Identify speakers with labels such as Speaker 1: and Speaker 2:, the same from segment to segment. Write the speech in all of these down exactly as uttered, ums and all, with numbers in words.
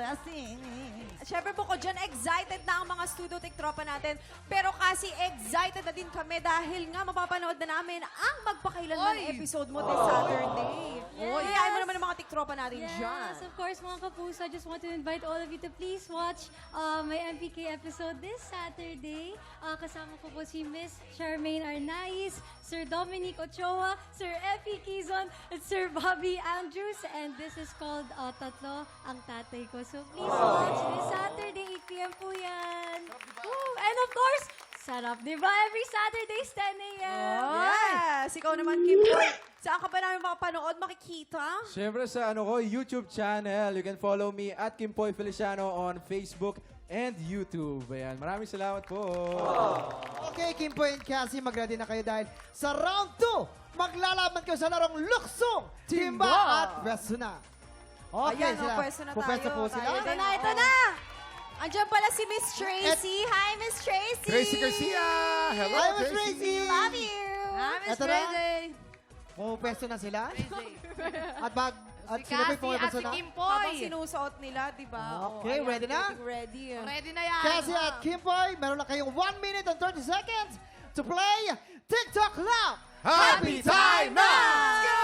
Speaker 1: blessing.
Speaker 2: Siyempre po ko dyan, excited na ang mga studio tech tropa natin. Pero kasi excited na din kami dahil nga mapapanood na namin ang magpakailanman
Speaker 3: Oy!
Speaker 2: episode mo this Saturday.
Speaker 3: Yes!
Speaker 2: Oy, ayaw mo naman ang mga tech tropa natin dyan.
Speaker 4: Yes, of course, mga kapuso. I just want to invite all of you to please watch uh, my M P K episode this Saturday. Uh, kasama ko po si Miss Charmaine Arnaiz, Sir Dominic Ochoa, Sir Effie Quizon, and Sir Bobby Andrews. And this is called uh, Tatlo Ang Tatay Ko. So please watch this Saturday, eight p m po yan. Woo! And of course, sarap, di ba? Every Saturday, ten a m
Speaker 2: Yes! Ikaw naman, Kim Boy. Saan ka ba namin makapanood, makikita?
Speaker 5: Siyempre sa ano ko, YouTube channel. You can follow me at Kimpoy Feliciano on Facebook and YouTube. Ayan, maraming salamat po.
Speaker 6: Okay, Kimpo and Cassie, mag-ready na kayo dahil sa round two, maglalaban kayo sa larong luksong, timba, at pwesto na. Okay,
Speaker 2: Ayan,
Speaker 6: sila.
Speaker 2: oh, pwesto na tayo.
Speaker 6: Pupwesto po sila.
Speaker 2: Tayo
Speaker 4: Ito
Speaker 2: din.
Speaker 4: na, ito na!
Speaker 2: Andiyan pala si Miss Tracy. Hi, Miss Tracy!
Speaker 7: Tracy Garcia! Hello,
Speaker 6: Hi, Miss Tracy!
Speaker 2: Love you!
Speaker 3: Ah, Miss
Speaker 6: Ito na.
Speaker 3: Tracy.
Speaker 6: Pupwesto na sila.
Speaker 3: Tracy.
Speaker 6: At bag, at
Speaker 3: Si
Speaker 6: sila po'y
Speaker 3: Cassie at
Speaker 6: pumwesto
Speaker 3: si
Speaker 6: na.
Speaker 3: Kimpoy.
Speaker 2: Habang sinusuot nila, di ba?
Speaker 6: Okay,
Speaker 2: Oh, ayan,
Speaker 6: ready na?
Speaker 2: getting Ready.
Speaker 3: Ready na yan.
Speaker 6: Cassie at Kimpoy, meron lang kayong one minute and thirty seconds to play TikTok Lab.
Speaker 7: Happy time na! Let's go!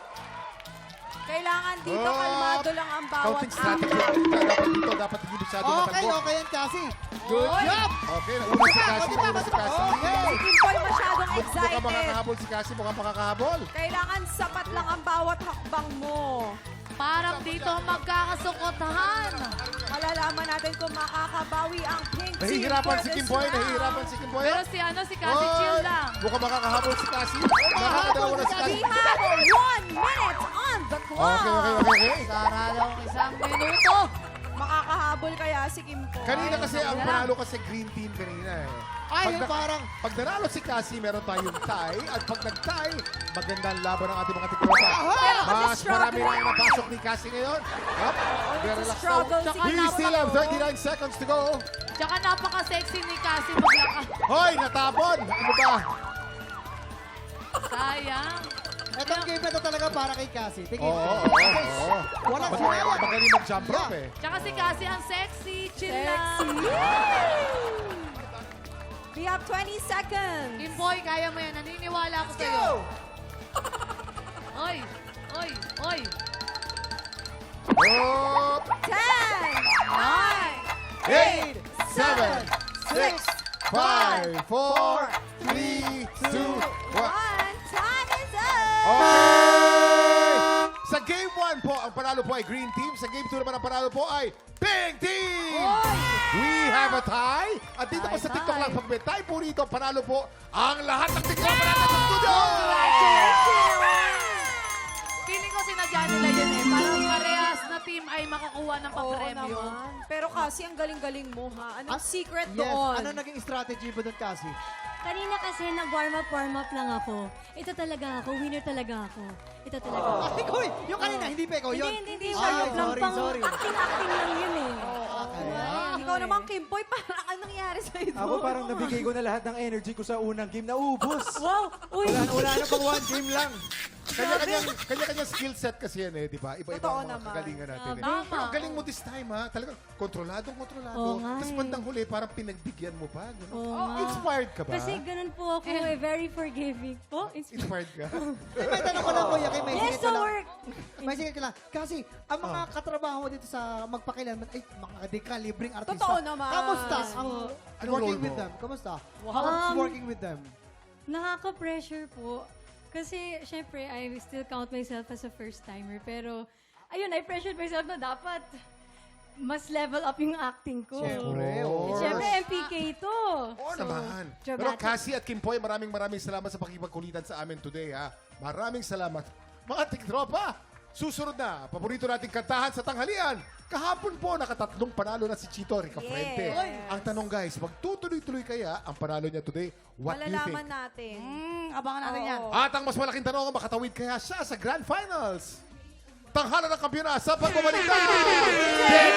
Speaker 2: Kailangan dito,
Speaker 7: Oh,
Speaker 2: kalmado lang ang bawat
Speaker 7: Counting strategy. Dapat dito, dapat hindi masyado
Speaker 6: Okay,
Speaker 7: matalbog.
Speaker 6: okay yan, Cassie.
Speaker 7: Good job! Okay, nauna si Cassie, nauna si Cassie.
Speaker 6: Okay.
Speaker 2: Si Kimpoy masyadong
Speaker 7: Mukhang
Speaker 2: excited.
Speaker 7: makakahabol si Cassie, mukhang makakahabol.
Speaker 2: Kailangan sapat lang ang bawat hakbang mo.
Speaker 3: Parang dito magkakasukotahan.
Speaker 2: Malalaman natin kung makakabawi ang pink team
Speaker 7: Nahihirapan
Speaker 2: for
Speaker 7: si
Speaker 2: this
Speaker 7: Kimboy,
Speaker 2: round.
Speaker 7: nahihirapan si Kimboy.
Speaker 3: Pero si ano, si Cassie chill lang.
Speaker 7: Mukhang makakahabol si Cassie. Makakadalawa na si
Speaker 2: We
Speaker 7: Cassie.
Speaker 2: have one minute on the clock.
Speaker 7: Okay, okay, okay, okay.
Speaker 3: Sana lang isang minuto.
Speaker 2: Makakahabol kaya si Kimpoy.
Speaker 7: Kanina kasi, ang panalo kasi green team kanina eh.
Speaker 6: Ay,
Speaker 7: Pag, na-
Speaker 6: parang,
Speaker 7: pag nanalo si Cassie, meron tayong tie. At pag nag-tie, magandang laban ng ating mga tikropa. Mas marami na yung napasok ni Cassie ngayon. Up, relax
Speaker 2: struggle
Speaker 7: now.
Speaker 2: si
Speaker 7: We
Speaker 2: Cassie.
Speaker 7: still have thirty-nine seconds to go.
Speaker 3: Tsaka napaka-sexy ni Cassie maglakad.
Speaker 7: Hoy, natapon! Ano ba?
Speaker 3: Sayang.
Speaker 6: etong game na to talaga para kay Cassie.
Speaker 7: Oo,
Speaker 6: Tingin.
Speaker 7: oo, oo.
Speaker 6: Wala
Speaker 7: Mag-
Speaker 6: sinayang.
Speaker 7: Magaling mag-jump rope eh.
Speaker 3: Tsaka si Cassie ang sexy. Chill
Speaker 2: Sexy.
Speaker 3: lang.
Speaker 2: We have twenty seconds.
Speaker 3: Kimboy, kaya mo yan. Naniniwala ako
Speaker 6: Let's
Speaker 3: sa'yo.
Speaker 6: go!
Speaker 3: Oy, oy, oy.
Speaker 7: Oh,
Speaker 2: ten, nine,
Speaker 7: eight, seven,
Speaker 2: six,
Speaker 7: five, four, three, two, one.
Speaker 2: one. Time is up.
Speaker 7: Okay! Sa game one po, ang panalo po ay Green Team. Sa game two naman, ang panalo po ay Pink Team! We have a tie. At dito po sa TikTok lang, pag may tie po rito, panalo po ang lahat ng TikTok natin sa studio!
Speaker 3: Feeling ko sinadya nila yun eh. Parang parehas na team ay makakuha ng
Speaker 2: Oo
Speaker 3: papremyo.
Speaker 2: naman. Pero kasi ang galing-galing mo ha. Anong
Speaker 6: Ah,
Speaker 2: secret
Speaker 6: Yes,
Speaker 2: doon?
Speaker 6: ano naging strategy mo doon, Cassie?
Speaker 4: Kanina kasi nag-warm up, warm up lang ako. Ito talaga ako, winner talaga ako. Ito talaga ako.
Speaker 6: Ay, Koy! Yung kanina, hindi pa ikaw yun.
Speaker 4: Hindi, hindi, hindi.
Speaker 6: Ay,
Speaker 4: Warm up lang
Speaker 6: sorry,
Speaker 4: pang
Speaker 6: sorry.
Speaker 4: acting-acting lang yun eh.
Speaker 6: Okay.
Speaker 2: Ikaw naman, Kimpoy, parang anong nangyari sa'yo doon?
Speaker 5: Ako parang nabigay ko na lahat ng energy ko sa unang game. Naubos.
Speaker 4: Wow! Uy!
Speaker 5: Wala, wala na pang one game lang.
Speaker 7: Kanya-kanyang kanya-kanyang skill set kasi yan eh, di ba? Iba-iba
Speaker 2: Totoo
Speaker 7: ang mga
Speaker 2: naman.
Speaker 7: kagalingan natin eh.
Speaker 3: Tama.
Speaker 7: Pero ang galing mo this time ha, talagang kontrolado, kontrolado.
Speaker 4: Oo nga
Speaker 7: Tapos
Speaker 4: eh.
Speaker 7: bandang huli, parang pinagbigyan mo pa. Gano'n.
Speaker 4: Oo
Speaker 7: Oh,
Speaker 4: nga.
Speaker 7: inspired ka ba?
Speaker 4: Kasi ganun po ako eh, very forgiving po. It's
Speaker 7: Inspired ka?
Speaker 6: Ay, may tanong ko lang, Kuya, kay may
Speaker 4: yes,
Speaker 6: singit ko
Speaker 4: so
Speaker 6: lang.
Speaker 4: work!
Speaker 6: May singit ko lang. Kasi, ang mga
Speaker 7: Oh.
Speaker 6: katrabaho mo dito sa magpakilanman, ay, mga dekalibreng artista.
Speaker 2: Totoo naman.
Speaker 6: Kamusta ang
Speaker 7: Anong
Speaker 6: working
Speaker 7: role
Speaker 6: with
Speaker 7: mo?
Speaker 6: them? Kamusta?
Speaker 4: Wow.
Speaker 6: How's
Speaker 4: Um,
Speaker 6: working with them?
Speaker 4: Nakaka-pressure po. Kasi, syempre, I still count myself as a first-timer. Pero, ayun, I pressured myself na dapat mas level up yung acting ko.
Speaker 6: Siyempre,
Speaker 7: of
Speaker 6: oo.
Speaker 7: course.
Speaker 4: Siyempre, M P K to.
Speaker 7: Oo
Speaker 4: So,
Speaker 7: naman. Pero
Speaker 4: dramatic.
Speaker 7: Cassie at Kimpoy, maraming maraming salamat sa pakipagkulitan sa amin today ha. Maraming salamat. Mga tiktropa, susunod na, paborito nating kantahan sa tanghalian. Kahapon po, nakatatlong panalo na si Chito Ricafrente.
Speaker 2: Yes.
Speaker 7: Ang tanong guys, magtutuloy-tuloy kaya ang panalo niya today? What do you think?
Speaker 2: Malalaman natin.
Speaker 3: Hmm, abangan natin yan.
Speaker 2: Oo.
Speaker 7: At ang mas malaking tanong, makatawid kaya siya sa Grand Finals? Tanghala ng kampiyon sa pagbabalik ng